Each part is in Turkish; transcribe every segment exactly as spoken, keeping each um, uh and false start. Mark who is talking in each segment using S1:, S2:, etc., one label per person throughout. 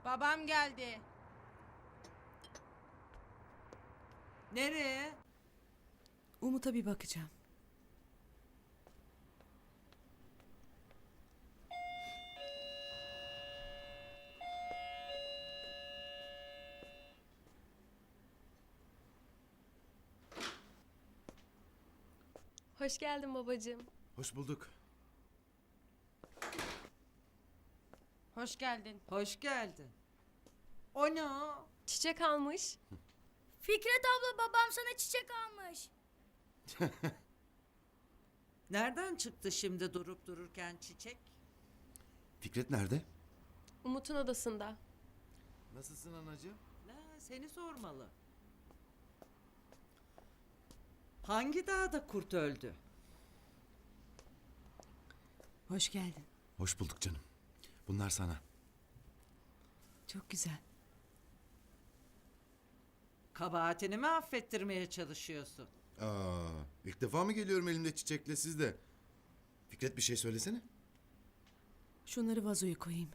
S1: Babam geldi.
S2: Nereye?
S3: Umut'a bir bakacağım.
S4: Hoş geldin babacığım.
S5: Hoş bulduk.
S1: Hoş geldin.
S2: Hoş geldin. O ne o?
S4: Çiçek almış.
S6: Fikret abla babam sana çiçek almış.
S2: Nereden çıktı şimdi durup dururken çiçek?
S5: Fikret nerede?
S4: Umut'un odasında.
S5: Nasılsın anacığım?
S2: La, seni sormalı. Hangi dağda kurt öldü?
S3: Hoş geldin.
S5: Hoş bulduk canım. Bunlar sana.
S3: Çok güzel.
S2: Kabahatini mi affettirmeye çalışıyorsun?
S5: Aa, ilk defa mı geliyorum elimde çiçekle siz de? Fikret bir şey söylesene.
S3: Şunları vazoya koyayım.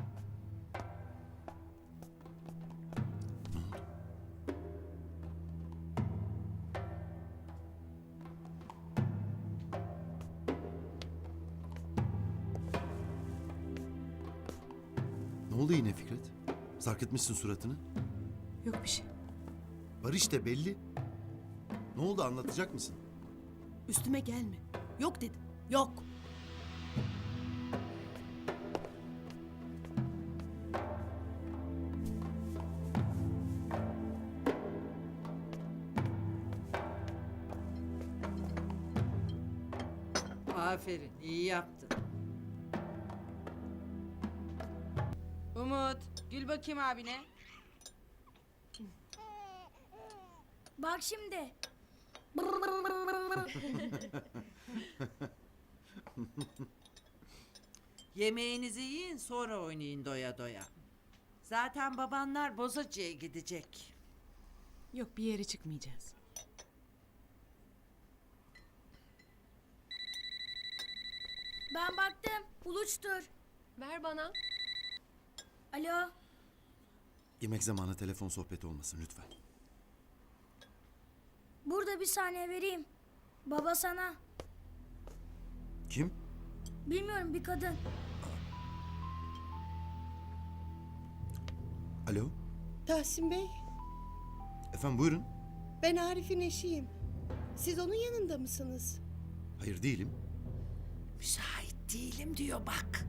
S5: Ne oldu yine Fikret? Sarkıtmışsın suratını.
S3: Yok bir şey.
S5: Var işte belli. Ne oldu anlatacak mısın?
S3: Üstüme gelme. Yok dedim. Yok.
S2: Aferin, iyi yaptın.
S1: Umut, gül bakayım abine.
S6: Bak şimdi.
S2: Yemeğinizi yiyin sonra oynayın doya doya. Zaten babanlar Bozacı'ya gidecek.
S3: Yok bir yere çıkmayacağız.
S6: Ben baktım. Uluçtur.
S4: Ver bana.
S6: Alo.
S5: Yemek zamanı telefon sohbeti olmasın lütfen.
S6: Burada bir saniye vereyim. Baba sana.
S5: Kim?
S6: Bilmiyorum bir kadın.
S5: Alo?
S7: Tahsin Bey,
S5: Efendim buyurun.
S7: ben Arif'in eşiyim. Siz onun yanında mısınız?
S5: Hayır değilim.
S2: Müsait değilim diyor bak.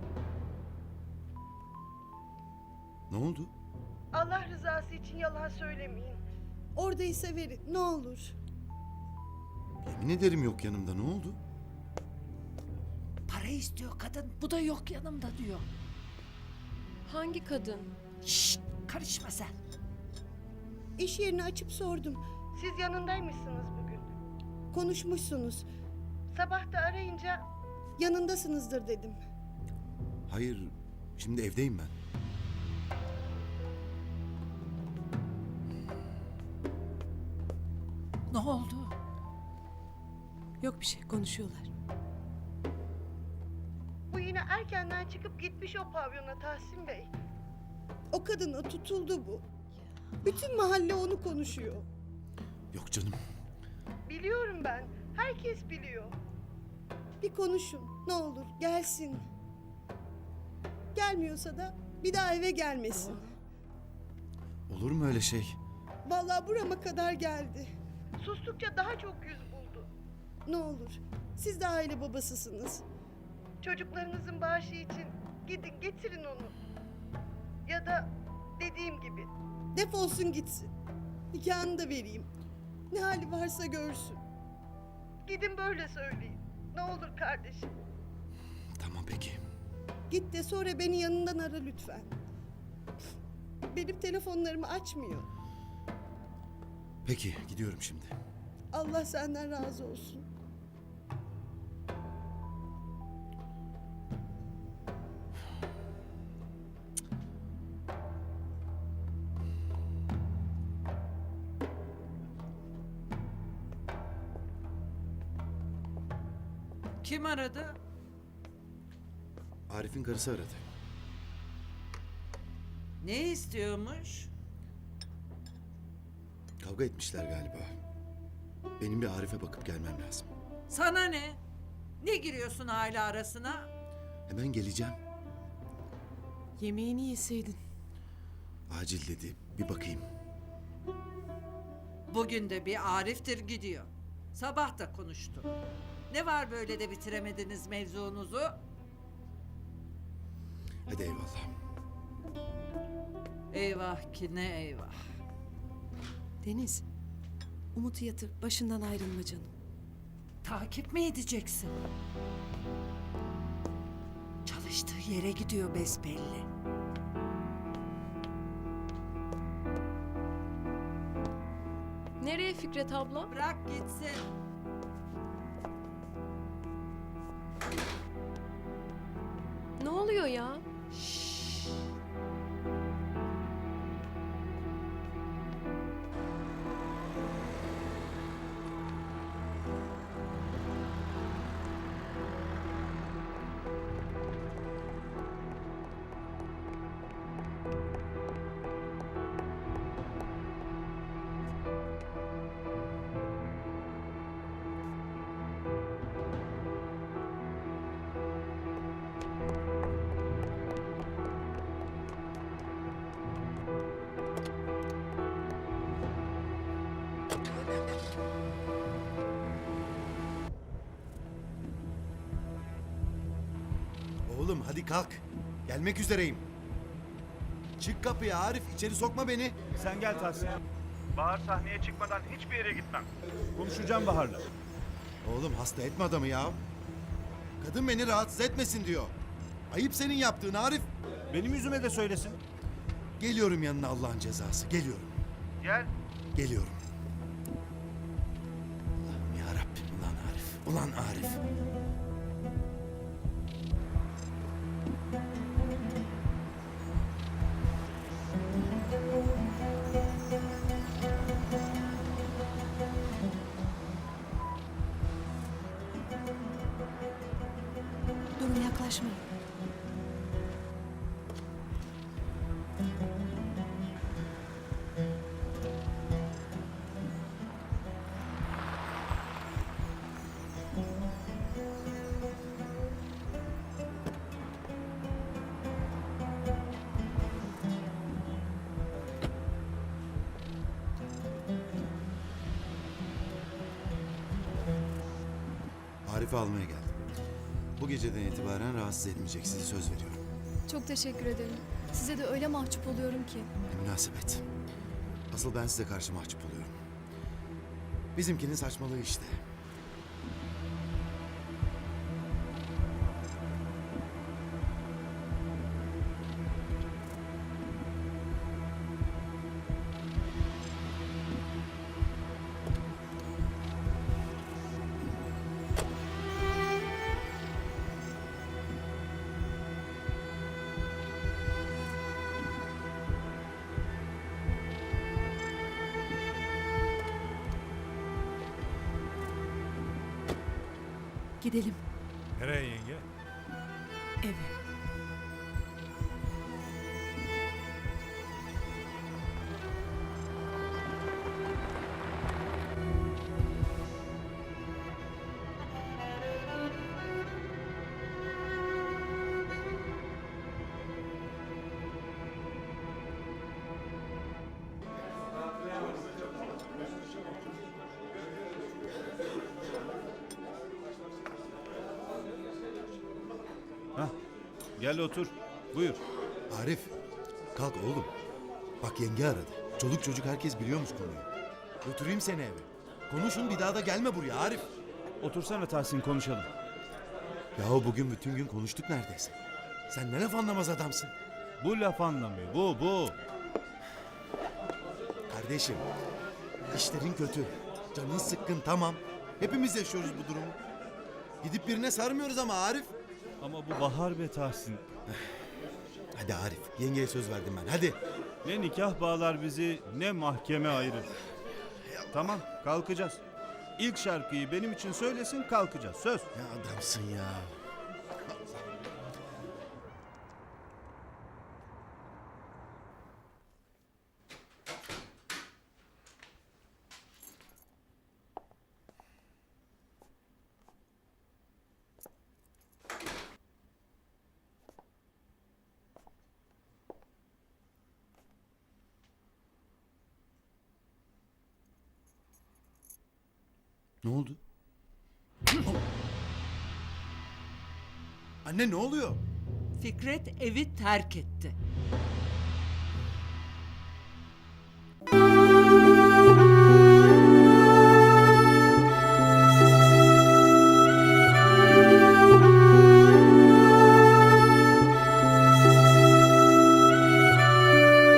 S5: Ne oldu?
S7: Allah rızası için yalan söylemeyin. Oradaysa verin, ne olur.
S5: Yemin ederim yok yanımda ne oldu?
S2: Para istiyor kadın, bu da yok yanımda diyor.
S4: Hangi kadın?
S2: Şşt, karışma sen.
S7: İş yerini açıp sordum. Siz yanındaymışsınız bugün. Konuşmuşsunuz. Sabah da arayınca yanındasınızdır dedim.
S5: Hayır şimdi evdeyim ben.
S2: Ne oldu?
S3: Yok bir şey konuşuyorlar.
S7: Bu yine erkenden çıkıp gitmiş o pavyona Tahsin Bey. O kadına tutuldu bu. Bütün mahalle onu konuşuyor.
S5: Yok canım.
S7: Biliyorum ben. Herkes biliyor. Bir konuşun. Ne olur gelsin. Gelmiyorsa da bir daha eve gelmesin.
S5: Olur mu öyle şey?
S7: Vallahi burama kadar geldi. Sustukça daha çok yüz buldu. Ne olur. Siz de aile babasısınız. Çocuklarınızın bağışı için gidin getirin onu. Ya da dediğim gibi defolsun gitsin. Nikahını da vereyim. Ne hali varsa görsün. Gidin böyle söyleyin. Ne olur kardeşim.
S5: Tamam peki.
S7: Git de sonra beni yanından ara lütfen. Benim telefonlarımı açmıyor.
S5: Peki gidiyorum şimdi.
S7: Allah senden razı olsun.
S2: Kim aradı?
S5: Arif'in karısı aradı.
S2: Ne istiyormuş?
S5: Kavga etmişler galiba. Benim bir Arif'e bakıp gelmem lazım.
S2: Sana ne? Ne giriyorsun aile arasına?
S5: Hemen geleceğim.
S3: Yemeğini yeseydin.
S5: Acil dedi. Bir bakayım.
S2: Bugün de bir Arif'tir gidiyor. Sabah da konuştu. Ne var böyle de bitiremediniz mevzunuzu?
S5: Hadi eyvallah.
S2: Eyvah ki ne eyvah.
S3: Deniz, Umut'u yatır. Başından ayrılma canım.
S2: Takip mi edeceksin? Çalıştığı yere gidiyor besbelli.
S4: Nereye Fikret abla?
S2: Bırak gitsin.
S4: Ne oluyor ya?
S5: Oğlum hadi kalk. Gelmek üzereyim. Çık kapıya Arif. İçeri sokma beni.
S8: Sen gel Tahsin. Bahar sahneye çıkmadan hiçbir yere gitmem. Konuşacağım Bahar'la.
S5: Oğlum hasta etme adamı ya. Kadın beni rahatsız etmesin diyor. Ayıp senin yaptığın Arif.
S8: Benim yüzüme de söylesin.
S5: Geliyorum yanına Allah'ın cezası. Geliyorum.
S8: Gel.
S5: Geliyorum. Allah'ım ya Rabbim. Ulan Arif. Ulan Arif.
S3: Durun, yaklaşmayın.
S5: Arif'i almaya geldim. Bu geceden itibaren rahatsız etmeyecek, size söz veriyorum.
S9: Çok teşekkür ederim. Size de öyle mahcup oluyorum ki.
S5: Ne münasebet. Asıl ben size karşı mahcup oluyorum. Bizimkinin saçmalığı işte.
S3: Gidelim
S8: Nereye yenge?
S3: eve.
S8: Hah. Gel otur. Buyur.
S5: Arif, kalk oğlum. Bak yenge aradı. Çoluk çocuk herkes biliyormuş konuyu. Götüreyim seni eve. Konuşun, bir daha da gelme buraya Arif.
S8: Otursana Tahsin, konuşalım.
S5: Yahu bugün bütün gün konuştuk neredeyse. Sen ne laf anlamaz adamsın.
S8: Bu laf anlamıyor. Bu bu.
S5: Kardeşim, işlerin kötü. Canın sıkkın, tamam. Hepimiz yaşıyoruz bu durumu. Gidip birine sarmıyoruz ama Arif.
S8: Ama bu Bahar be Tahsin.
S5: Hadi Arif, yengeye söz verdim ben, hadi.
S8: Ne nikah bağlar bizi, ne mahkeme ayırır. Tamam, kalkacağız. İlk şarkıyı benim için söylesin, kalkacağız. Söz.
S5: Ne adamsın ya. Ne oldu? Anne ne oluyor?
S2: Fikret evi terk etti.